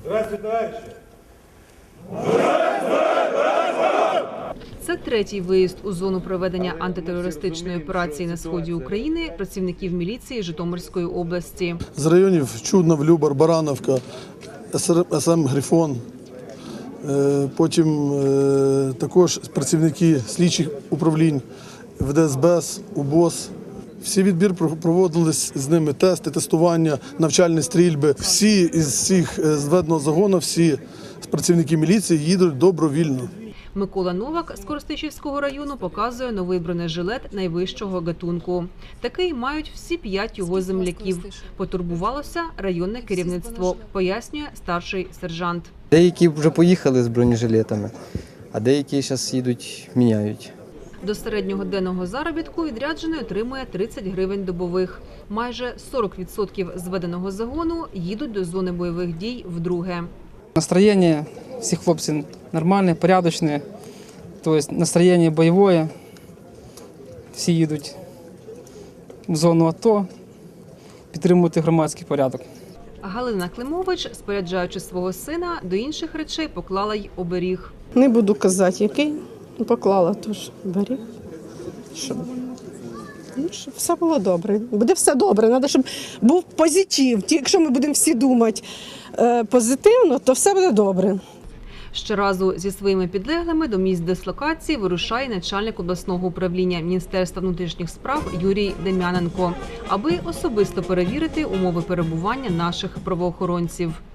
Здравствуйте, товарищи! Це третій виїзд у зону проведення антитерористичної операції на сході України працівників міліції Житомирської області. З районів Чуднов, Любар, Барановка, СМ «Грифон». Потім також працівники слідчих управлінь ВДСБ, УБОС. Всі відбір проводились з ними тести, тестування, навчальні стрільби. Всі із цих зведеного загону, всі працівники міліції їдуть добровільно. Микола Новак з Коростишівського району показує новий бронежилет найвищого гатунку. Такий мають всі 5 його земляків. Потурбувалося районне керівництво, пояснює старший сержант. Деякі вже поїхали з бронежилетами, а деякі зараз їдуть, міняють. До середнього денного заробітку відряджений отримує 30 гривень добових. Майже 40% зведеного загону їдуть до зони бойових дій вдруге. Настроєння всіх хлопців нормальне, порядочне, тобто настроєння бойове. Всі їдуть в зону АТО, підтримувати громадський порядок. Галина Климович, споряджаючи свого сина, до інших речей поклала й оберіг. Не буду казати, який, поклала теж оберіг, щоб все було добре. Буде все добре, треба, щоб був позитив. Якщо ми будемо всі думати позитивно, то все буде добре. Щоразу зі своїми підлеглими до місць дислокації вирушає начальник обласного управління Міністерства внутрішніх справ Юрій Дем'яненко, аби особисто перевірити умови перебування наших правоохоронців.